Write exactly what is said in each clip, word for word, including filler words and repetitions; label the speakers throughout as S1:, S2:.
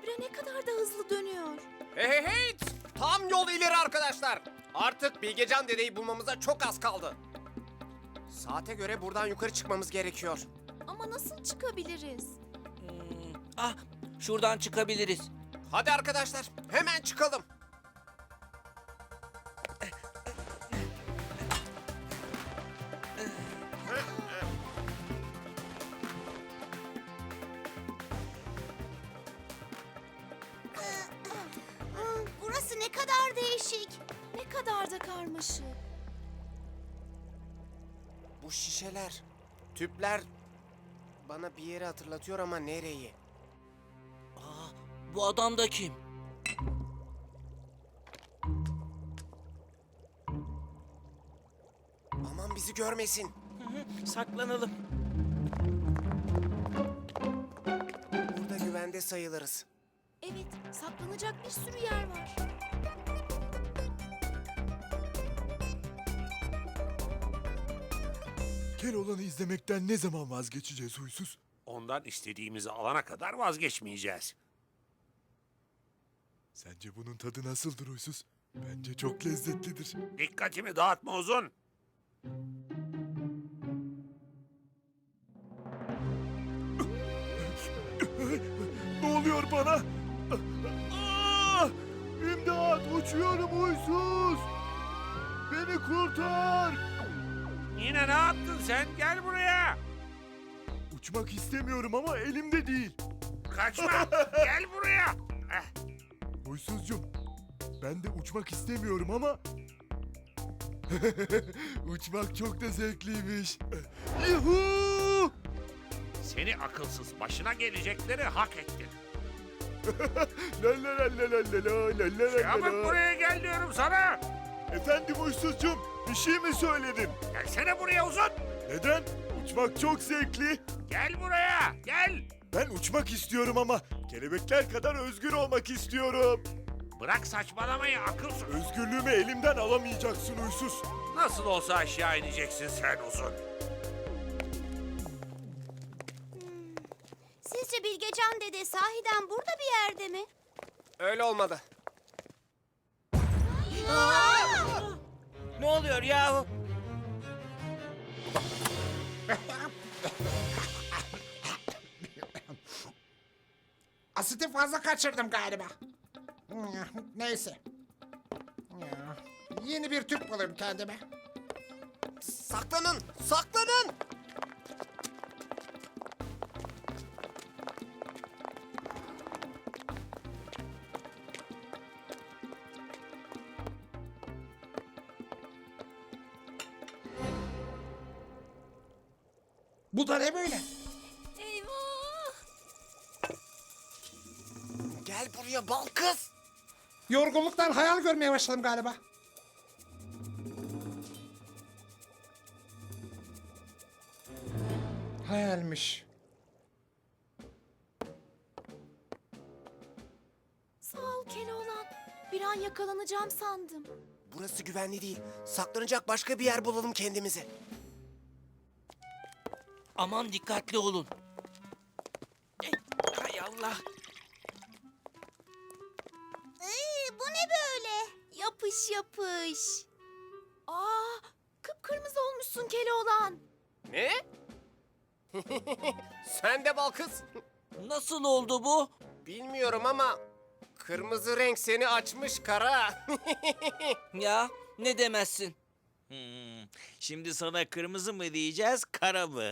S1: Kübra ne kadar da hızlı dönüyor.
S2: Hey hey hey! Tam yol ileri arkadaşlar. Artık Bilgecan dedeyi bulmamıza çok az kaldı. Saate göre buradan yukarı çıkmamız gerekiyor.
S1: Ama nasıl çıkabiliriz?
S3: Hmm, ah, şuradan çıkabiliriz.
S2: Hadi arkadaşlar, hemen çıkalım.
S1: Burası ne kadar değişik. Ne kadar da karmaşık.
S2: Bu şişeler, tüpler bana bir yeri hatırlatıyor ama nereyi?
S3: Aa, bu adam da kim?
S2: Aman bizi görmesin.
S3: Saklanalım.
S2: Burada güvende sayılırız.
S1: Evet, saklanacak bir sürü yer var.
S4: Keloğlan'ı izlemekten ne zaman vazgeçeceğiz huysuz?
S5: Ondan istediğimizi alana kadar vazgeçmeyeceğiz.
S4: Sence bunun tadı nasıldır huysuz? Bence çok lezzetlidir.
S5: Dikkatimi dağıtma Uzun.
S4: Ne oluyor bana? Ah! İmdat! Uçuyorum huysuz! Beni kurtar!
S5: Yine ne yaptın sen? Gel buraya.
S4: Uçmak istemiyorum ama elimde değil.
S5: Kaçma. Gel buraya. Eh,
S4: Huysuzcum, ben de uçmak istemiyorum ama... Uçmak çok da zevkliymiş. Yuhuu!
S5: Seni akılsız, başına gelecekleri hak ettin.
S4: La la la la la la la la la la
S5: Çabuk
S4: la.
S5: buraya gel diyorum sana.
S4: Efendim huysuzcum, bir şey mi söyledim?
S5: Gelsene buraya Uzun.
S4: Neden? Uçmak çok zevkli.
S5: Gel buraya. Gel.
S4: Ben uçmak istiyorum ama kelebekler kadar özgür olmak istiyorum.
S5: Bırak saçmalamayı akılsız.
S4: Özgürlüğümü elimden alamayacaksın huysuz.
S5: Nasıl olsa aşağı ineceksin sen Uzun.
S1: Sizce Bilgecan dede sahiden burada bir yerde mi?
S2: Öyle olmadı.
S3: Ne oluyor yahu?
S6: Asiti fazla kaçırdım galiba. Neyse. Yeni bir tüp bulayım kendime.
S2: Saklanın, saklanın!
S6: Bu da ne böyle?
S1: Eyvah!
S2: Gel buraya bal kız.
S6: Yorgunluktan hayal görmeye başladım galiba. Hayalmiş.
S1: Sağ ol Keloğlan. Bir an yakalanacağım sandım.
S2: Burası güvenli değil. Saklanacak başka bir yer bulalım kendimize.
S3: Aman dikkatli olun. Eh, Hay Allah.
S1: Ee, bu ne böyle? Yapış yapış. Aa, kıpkırmızı olmuşsun Keloğlan.
S2: Ne? Sen de bal kız.
S3: Nasıl oldu bu?
S2: Bilmiyorum ama kırmızı renk seni açmış kara.
S3: Ya ne demezsin? Hmm, şimdi sana kırmızı mı diyeceğiz, kara mı?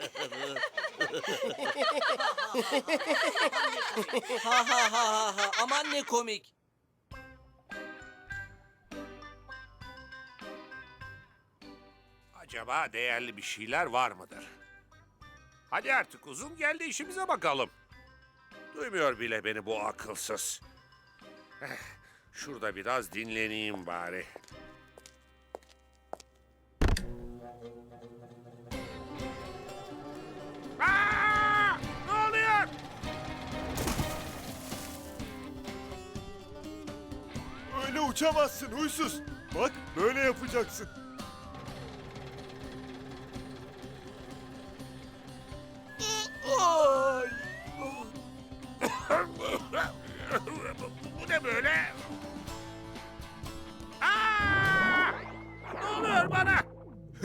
S3: ha ha ha ha ha. Aman ne komik.
S5: Acaba değerli bir şeyler var mıdır? Hadi artık Uzun gel de işimize bakalım. Duymuyor bile beni bu akılsız. Eh, şurada biraz dinleneyim bari. Aa! Ne oluyor?
S4: Öyle uçamazsın huysuz. Bak böyle yapacaksın. Ay!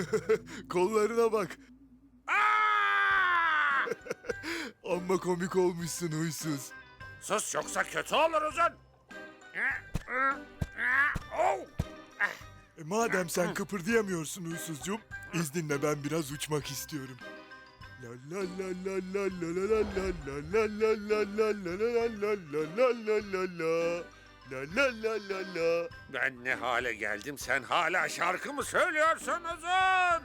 S4: Kollarına bak.
S5: Aa!
S4: Amma komik olmuşsun huysuz.
S5: Sus yoksa kötü olur uzun. Oh!
S4: E, madem sen kıpırdayamıyorsun huysuzcuğum, izninle ben biraz uçmak istiyorum. La la la la la la la la la la la la la la la la la la la la. La la la la la.
S5: Ben ne hale geldim sen hala şarkı mı söylüyorsun uzun?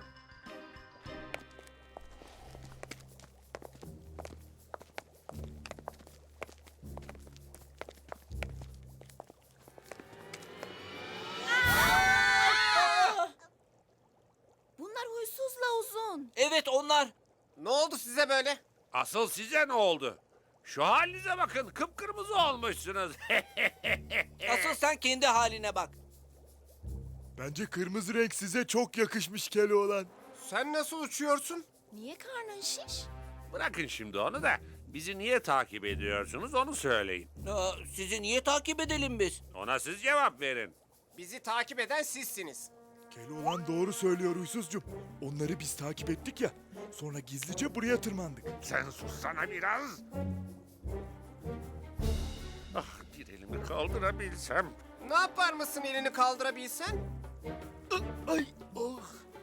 S1: Bunlar huysuzla uzun.
S3: Evet onlar.
S2: Ne oldu size böyle?
S5: Asıl size ne oldu? Şu halinize bakın kıpkırmızı olmuşsunuz.
S3: Asıl sen kendi haline bak.
S4: Bence kırmızı renk size çok yakışmış Keloğlan.
S2: Sen nasıl uçuyorsun?
S1: Niye karnın şiş?
S5: Bırakın şimdi onu da bizi niye takip ediyorsunuz onu söyleyin.
S3: Aa, sizi niye takip edelim biz?
S5: Ona siz cevap verin.
S2: Bizi takip eden sizsiniz.
S4: Keloğlan doğru söylüyor huysuzcuğum. Onları biz takip ettik ya. Sonra gizlice buraya tırmandık.
S5: Sen sussana biraz. Ah bir elimi kaldırabilsem.
S2: Ne yapar mısın elini kaldırabilsen?
S4: Ay oh.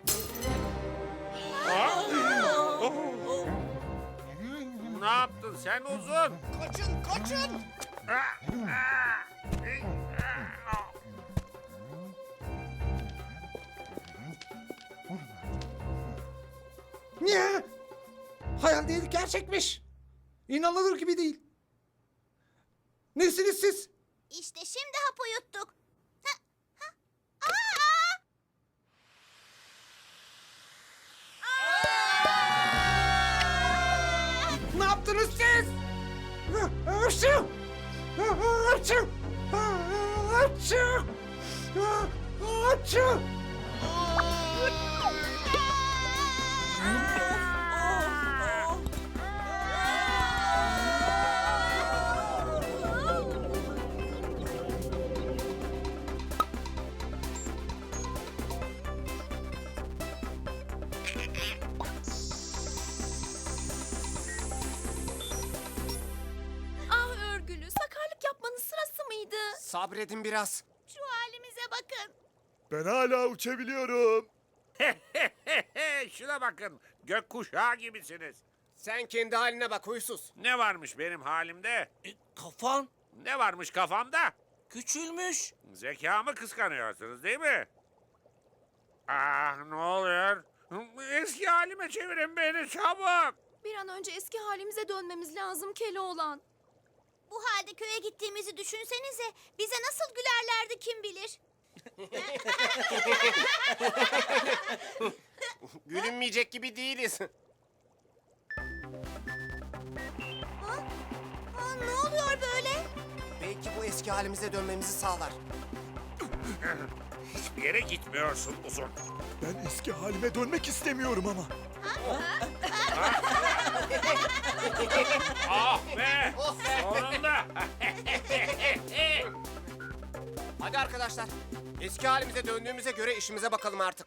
S5: Ah! Oh! Ne yaptın sen uzun?
S2: Kaçın, kaçın!
S5: Ah! Ah! Ey! Ah!
S6: Niye? Hayal değil, gerçekmiş. İnanılır gibi değil. Nesiniz siz?
S1: İşte şimdi hapı yuttuk. Ha, ha. Aa!
S6: Ne yaptınız siz? Hapşu! Hapşu! Hapşu! Hapşu!
S1: Ah örgülü, sakarlık yapmanın sırası mıydı?
S2: Sabredin biraz.
S1: Şu halimize bakın.
S4: Ben hala uçabiliyorum.
S5: Şuna bakın gökkuşağı gibisiniz.
S2: Sen kendi haline bak huysuz.
S5: Ne varmış benim halimde?
S3: E, kafan
S5: Ne varmış kafamda?
S3: küçülmüş.
S5: Zekamı kıskanıyorsunuz değil mi? Ah ne oluyor? Eski halime çevirin beni çabuk.
S1: Bir an önce eski halimize dönmemiz lazım Keloğlan. Bu halde köye gittiğimizi düşünsenize. Bize nasıl gülerlerdi kim bilir.
S2: Gülünmeyecek gibi değiliz.
S1: Ha? Ha, ne oluyor böyle?
S2: Belki bu eski halimize dönmemizi sağlar.
S5: Hiçbir yere gitmiyorsun uzun.
S4: Ben eski halime dönmek istemiyorum ama.
S5: Ah be! Sonunda!
S2: Hadi arkadaşlar. Eski halimize döndüğümüze göre işimize bakalım artık.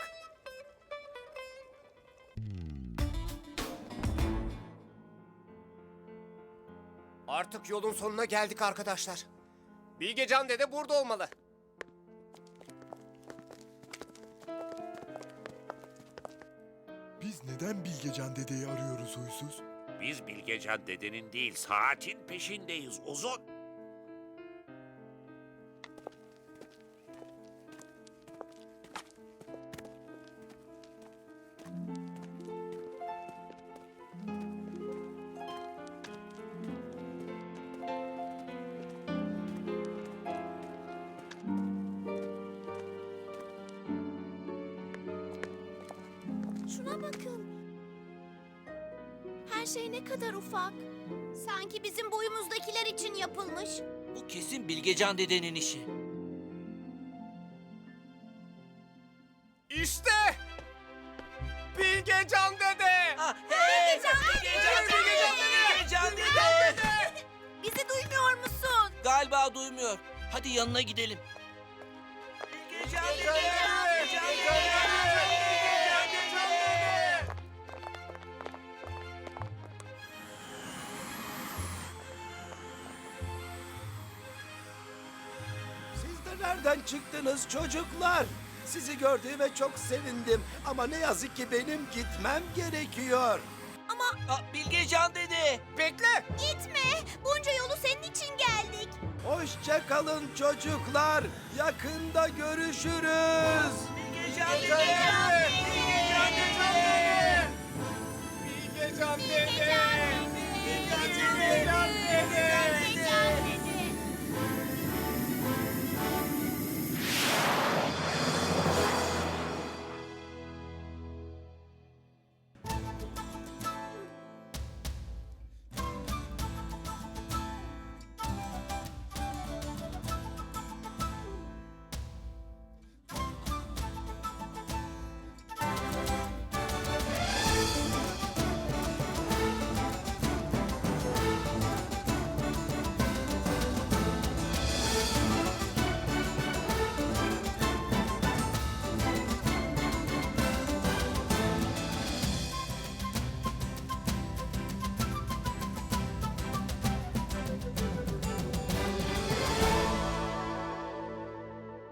S2: Artık yolun sonuna geldik arkadaşlar. Bilgecan dede burada olmalı.
S4: Biz neden Bilgecan dedeyi arıyoruz huysuz?
S5: Biz Bilgecan dedenin değil saatin peşindeyiz uzun.
S1: Şuna bakın. Her şey ne kadar ufak. Sanki bizim boyumuzdakiler için yapılmış.
S3: Bu kesin Bilgecan dedenin işi.
S2: İşte! Bilgecan dede!
S3: Ah, hey!
S1: Bilgecan dede!
S3: Bilgecan dede! Bilgecan dede!
S1: Bizi duymuyor musun?
S3: Galiba duymuyor. Hadi yanına gidelim. Bilgecan dede! Bilgecan dede! Bilgecan dede!
S7: Nereden çıktınız çocuklar? Sizi gördüğüme çok sevindim ama ne yazık ki benim gitmem gerekiyor.
S1: Ama
S3: Aa, Bilgecan dede.
S2: Bekle.
S1: gitme. Bunca yolu senin için geldik.
S7: Hoşça kalın çocuklar. Yakında görüşürüz.
S3: Bilgecan
S2: Bilgecan
S3: dede.
S2: dede. Bilgecan dede. Bilgecan dede. Bilgecan dede.